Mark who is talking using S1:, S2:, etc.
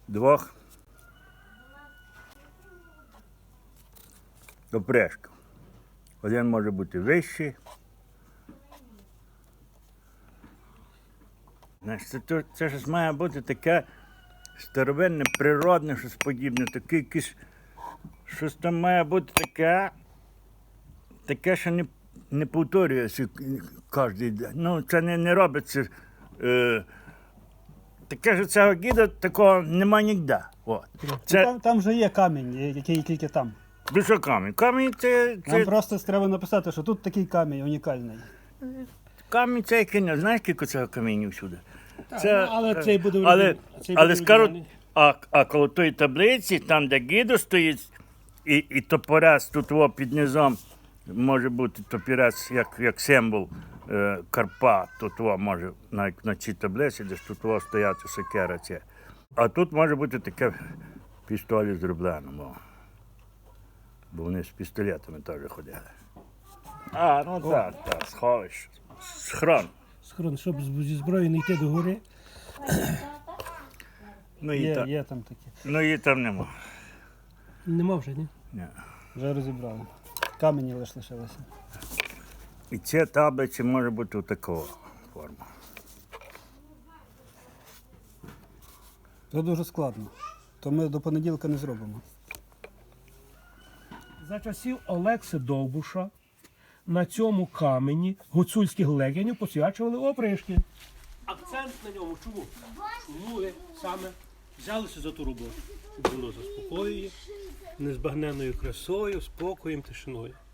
S1: двох опришків. Один може бути вищий. Значить, це ж має бути таке старовинне, природне, щось подібне, таке якесь, щось там має бути таке, що не повторюється кожен день. Ну, це не робиться. Таке ж цього гіда такого нема ніде. От.
S2: Там вже є камінь, який тільки там.
S1: Що камінь? Камінь це...
S2: Нам просто треба написати, що тут такий камінь унікальний.
S1: Камінь це який не. Знаєш, скільки цього каміння всюди?
S3: Але цей буде
S1: але скажуть, а коло тої таблиці, там, де гідо стоїть, і топорець тут під низом, може бути топорець як символ Карпат, тут може на цій таблиці, де ж тут стояти сокира ця. А тут може бути таке пістолі зроблено, бо вони з пістолетами теж ходили. Так, сховище, схрон.
S3: Схрон, щоб зі зброї не йти до гори.
S2: Є там такі.
S1: Ну її там нема.
S3: Нема вже, ні?
S1: Ні.
S2: Вже розібрали. Камені лише лишилися.
S1: І ця таблиця може бути такого форму.
S2: Це дуже складно. То ми до понеділка не зробимо.
S3: За часів Олекси Довбуша на цьому камені гуцульських легенів посвячували опришки. Акцент на ньому чому? Чому ви саме взялися за ту роботу? Було заспокоює, незбагненною красою, спокоєм, тишиною.